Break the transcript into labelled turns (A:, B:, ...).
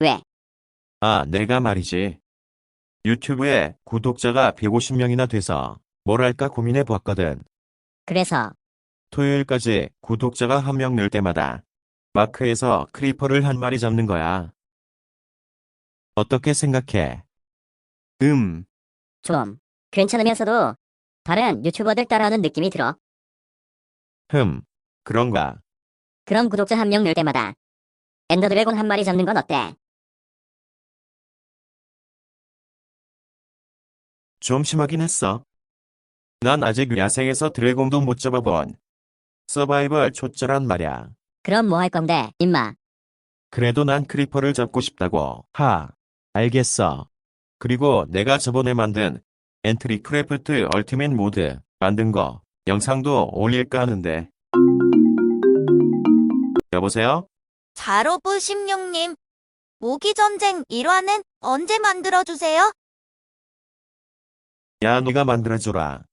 A: 왜?
B: 아, 내가 말이지. 유튜브에 구독자가 150명이나 돼서 뭘 할까 고민해 보았거든.
A: 그래서
B: 토요일까지 구독자가 한 명 늘 때마다 마크에서 크리퍼를 한 마리 잡는 거야. 어떻게 생각해? 음,
A: 좀 괜찮으면서도 다른 유튜버들 따라하는 느낌이 들어.
B: 그런가.
A: 그럼 구독자 한 명 늘 때마다 엔더 드래곤 한 마리 잡는 건 어때?
B: 좀 심하긴 했어. 난 아직 야생에서 드래곤도 못 잡아본 서바이벌 초짜란 말이야.
A: 그럼 뭐 할 건데, 임마?
B: 그래도 난 크리퍼를 잡고 싶다고. 알겠어. 그리고 내가 저번에 만든 엔트리 크래프트 얼티밋 모드 만든 거 영상도 올릴까 하는데. 여보세요?
C: 자로부 심령님, 모기전쟁 1화는 언제 만들어주세요?
B: 야, 네가 만들어줘라.